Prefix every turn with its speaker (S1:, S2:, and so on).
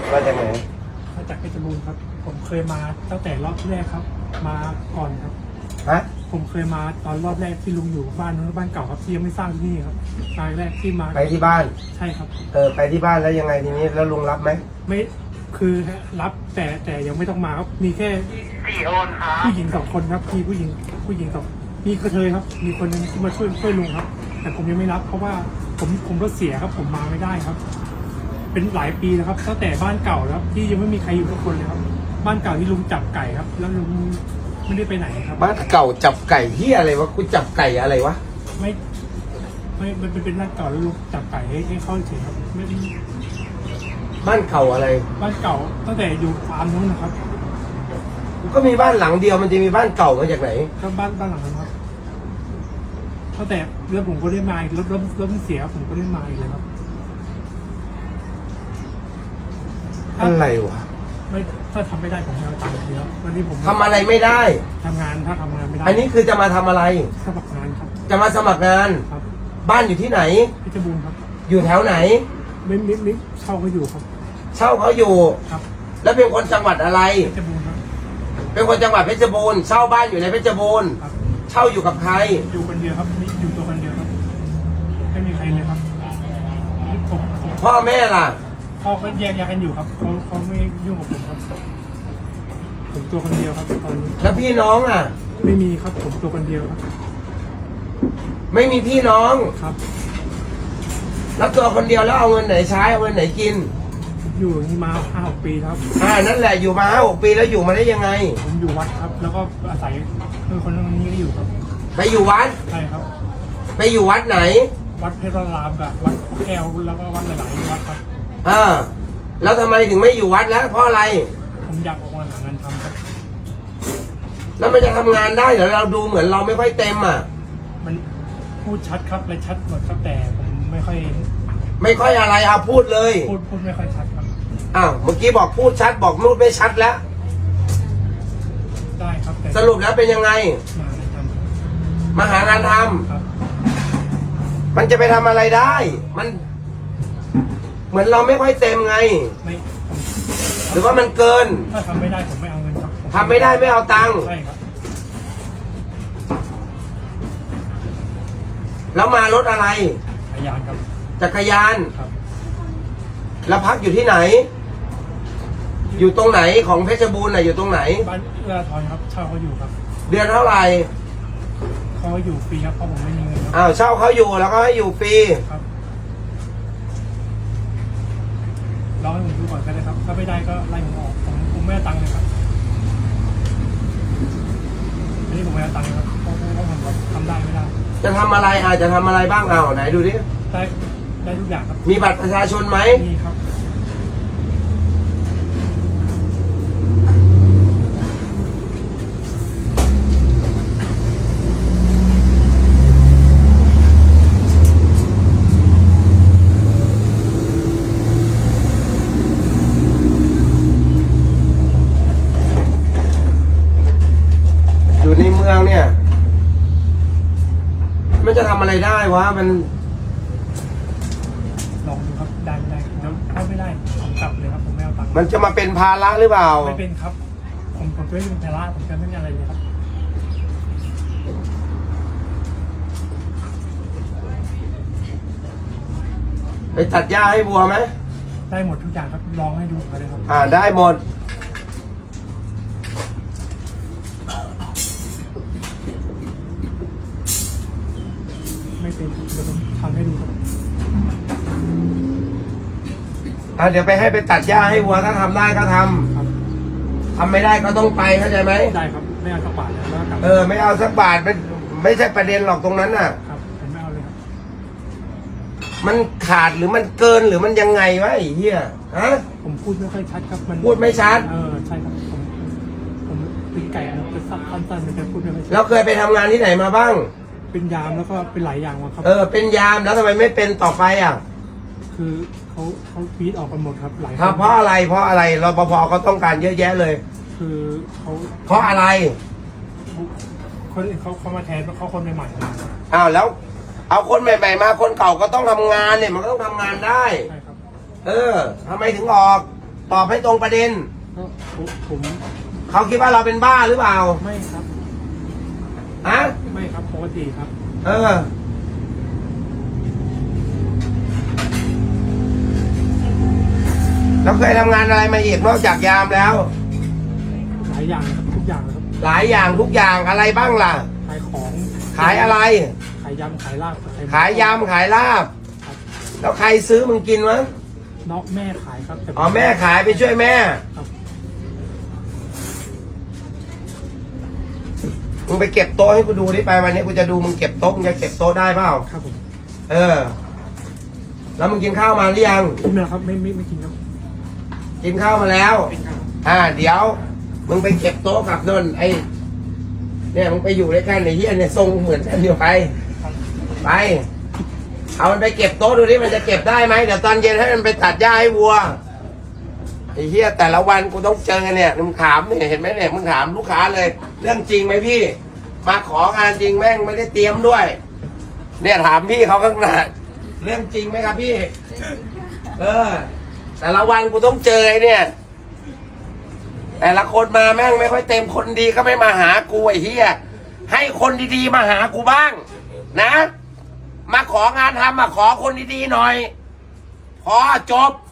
S1: มาจากไหน
S2: มาจากเพชรบูรณ์ครับผมเคยมาตั้งแต่รอบแรกครับมาก่อนครับ
S1: ฮะ
S2: ผมเคยมาตอนรอบแรกที่ลุงอยู่บ้านนู้นบ้านเก่าครับที่ยังไม่สร้างที่นี่ครับครั้งแรกที่มา
S1: ไปที่บ้าน
S2: ใช่ครับ
S1: ไปที่บ้านแล้วยังไงทีนี้แล้วลุงรับไหม
S2: ไม่คือรับแต่ยังไม่ต้องมาครับมีแค่ผู้หญิง2 คนครับมีผู้หญิง2มีกระเทยครับมีคนนึงที่มาช่วยลุงครับแต่ผมยังไม่รับเพราะว่าผมรถเสียครับผมมาไม่ได้ครับเป็นหลายปีแล้วครับตั้งแต่บ้านเก่าแล้วที่ยังไม่มีใครอยู่ทุกคนเลยครับบ้านเก่าที่ลุงจับไก่ครับแล้วลุงไม่ได้ไปไหนครับ
S1: บ้านเก่าจับไก่ที่อะไรวะกูจับไก่อะไรวะ
S2: ไม่มันเป็นบ้านเก่าแล้วลุงจับไก่ให้เข้าเฉยครับไม่
S1: บ้านเก่าอะไร
S2: บ้านเก่าตั้งแต่อยู่ฟาร์มนู้นนะครับ
S1: ก็มีบ้านหลังเดียวมันจะมีบ้านเก่ามาจากไหน
S2: ก็บ้านหลังนั้นครับตั้งแต่เรื่องผมก็ได้มารถเสียผมก็ได้มาอีกเลยครับ
S1: อะไรวะ
S2: ไม่ถ้าทำไม่ได้ผมจะเอาตังค์เยอะวันนี้ผม
S1: ทำอะไรไม่ได้
S2: ทำงานถ้าทำงานไม่ได้
S1: อันนี้คือจะมาทำอะไร
S2: สมัครงานครับ
S1: จะมาสมัครงาน
S2: ครับ
S1: บ้านอยู่ที่ไหน
S2: เพชรบูรณ์ครับ
S1: อยู่แถวไหน
S2: ไม่เช่าเขาอยู่ครับ
S1: เช่าเขาอยู่
S2: ครับ
S1: แล้วเป็นคนจังหวัดอะไร
S2: เพชรบูรณ์ครับ
S1: เป็นคนจังหวัดเพชรบูรณ์เช่าบ้านอยู่ในเพชรบูรณ์เช่าอยู่กับใคร
S2: อยู่คนเดียวครับนี่อยู่ตัวคนเดียวครับไม่มีใครเลยครับ
S1: พ่อแม่ล่ะ
S2: พ่อก็แยกย้ายกันอยู่ครับเขาไม่ยุ่งกับผมครับผมตัวคนเดียวครับตอนนี้
S1: แล้วพี่น้องอ่ะ
S2: ไม่มีครับผมตัวคนเดียวครับ
S1: ไม่มีพี่น้อง
S2: ครับ
S1: แล้วตัวคนเดียวแล้วเอาเงินไหนใช้เอาเงินไหนกิน
S2: อยู่อย่างนี้มา5-6 ปีครับ
S1: นั่นแหละอยู่มา5-6 ปีแล้วอยู่มาได้ยังไง
S2: ผมอยู่วัดครับแล้วก็อาศัยคนนี้ก็อยู่ครับ
S1: ไปอยู่วัด
S2: ใช่ครับ
S1: ไปอยู่วัดไหน
S2: วัดเพชรรามกับวัดแก้วแล้วก็วัดหลายๆวัดครับ
S1: แล้วทำไมถึงไม่อยู่วัดแล้วเพราะอะไร
S2: ผมอยากออกมาหางานทำครับ
S1: แล้วมันจะทำงานได้เหรอเราดูเหมือนเราไม่ค่อยเต็มอ่ะ
S2: มันพูดชัดครับเลยชัดหมดครับแต่ผมไม่ค่อย
S1: อะไรพูดเลย
S2: พูดไม่ค่อยชัดครับ
S1: เมื่อกี้บอกพูดชัดบอกพูดไม่ชัดแล้ว
S2: ได้ครับ
S1: สรุปแล้วเป็นยังไงมาหางานทำมันจะไปทำอะไรได้มันเหมือนเราไม่ค่อยเต็มไงหรือว่ามันเกิน
S2: ถ้าทำไม่ได้ผมไม่เอาเงินครับ
S1: ทำไม่ได้ไม่เอาตังค์
S2: ใช่ครับ
S1: แล้วมารถอะไร
S2: จักรยานครับ
S1: จักรยาน
S2: ครับ
S1: แล้วพักอยู่ที่ไหนอยู่ตรงไหนของเพชรบูรณ์อยู่ตรงไหน
S2: บ้านเอื้อทอนครับเช่าเขาอยู่ครับ
S1: เดือนเท่าไหร่
S2: เขาอยู่ฟรีครับเพราะผมไม่มีเงิน
S1: เช่าเขาอยู่แล้วก็ให้อยู่ฟรี
S2: ครับรอให้ผมดูก่อนก็ได้ครับถ้าไม่ได้ก็ไล่ผมออกผมไม่เอาตังค์เลยครับอันนี้ผมไม่เอาตังค์ครับเพราะผมทำได้ไม่ได้
S1: จะทำอะไรจะทำอะไรบ้างไหนดูดิ
S2: ได้ทุกอย่างครับ
S1: มีบัตรประชาชนไหม
S2: มีครับ
S1: อยู่ในเมืองเนี่ยมันจะทำอะไรได้วะมัน
S2: ลองดูครับได้แล้วถ้าไม่ได้ผมกลับเลยครับผมไม่เอาตังค์
S1: มันจะมาเป็นภาระหรือเปล่า
S2: ไม่เป็นครับผมจะไม่เป็นภาระผมจะไม่มีอะไรเลยครับ
S1: ไปตัดหญ้าให้วัวไหม
S2: ได้หมดทุกอย่างครับลองให้ดูเลยครับ
S1: ได้หมด
S2: ไม่เป็นเดี๋ยวผมทำให้ดูครับ
S1: เดี๋ยวไปให้ไปตัดหญ้าให้วัวถ้าทำได้ก็ทำทำไม่ได้ก็ต้องไปเข้าใจไหม
S2: ได้ครับไม่เอาสักบาทแล้ว
S1: ไม่เอาสักบาทไม่ใช่ประเด็นหรอกตรงนั้นน่ะ
S2: ครับผมไม่เอาเลยครับ
S1: มันขาดหรือมันเกินหรือมันยังไงวะไอ้เหี้ย
S2: ผมพูดไม่ค่อยชัดครับมัน
S1: พูดไม่ชัด
S2: ใช่ครับผมเป็นไก่เป็นสั้นๆมันจะพูดไม่ค่อยชัด
S1: แล้วเคยไปทำงานที่ไหนมาบ้าง
S2: เป็นยามแล้วก็เป็นหลายอย่างมาครับ
S1: เป็นยามแล้วทำไมไม่เป็นต่อไป
S2: คือเขาฟีดออกกันหมดครับหลาย
S1: เพราะอะไรรปภเขาต้องการเยอะแยะเลย
S2: คือ
S1: เพราะอะไร
S2: คนอื่นเขามาแทนเขาคนใหม่
S1: ๆแล้วเอาคนใหม่ๆมาคนเก่าก็ต้องทำงานเนี่ยมันก็ต้องทำงานได้
S2: ใช่ครับ
S1: ทำไมถึงออกตอบให้ตรงประเด็น
S2: ก็ผม
S1: เขาคิดว่าเราเป็นบ้าหรือเปล่า
S2: ไม่ครับ
S1: ฮะ
S2: ไม่ครับปกติครับ
S1: เออเราเคยทำงานอะไรมาอีกนอกจากยามแล้ว
S2: หลายอย่างครับทุกอย่างครับ
S1: หลายอย่างทุกอย่างอะไรบ้างล่ะ
S2: ขายของ
S1: ขายอะไร
S2: ขายยำขายลาบ
S1: ขายยำขายลาบ
S2: ครับ
S1: แล้วใครซื้อมึงกินวะ
S2: น้องแม่ขายครับแต่
S1: อ๋อแม่ขายไปช่วยแม่
S2: ครับ
S1: มึงไปเก็บโต๊ะให้กูดูดิไปวันนี้กูจะดูมึงเก็บโต๊ะมึงจะเก็บโต๊ะได้เปล่า
S2: ครับผม
S1: เออ แล้วมึงกินข้าวมาหรือยัง
S2: กินนะครับไม่กินครับ
S1: กินข้าวมาแล้ว
S2: เป็นครับ
S1: เดี๋ยว มึงไปเก็บโต๊ะกับนนท์ไอ้เนี่ยมึงไปอยู่ด้วยกันไอ้เหี้ยเนี่ยทรงเหมือนกันอยู่ไป ไป เอามันไปเก็บโต๊ะดูดิมันจะเก็บได้ไหมเดี๋ยวตอนเย็นให้มันไปตัดหญ้าให้วัวไอ้เหี้ยแต่ละวันกูต้องเจอเนี่ยมึงถามเนี่ยเห็นไหมเนี่ยมึงถามลูกค้าเลย เรื่องจริงไหมพี่ มาของานจริงแม่งไม่ได้เตรียมด้วย เนี่ยถามพี่เขาข้างหน้าเรื่องจริงไหมครับพี่ เออ แต่ละวันกูต้องเจอไอ้เนี่ย แต่ละคนมาแม่งไม่ค่อยเต็มคนดีก็ไม่มาหากูไอ้เหี้ยให้คนดีๆมาหากูบ้าง นะ มาของานทำมาขอคนดีๆหน่อย พอจบ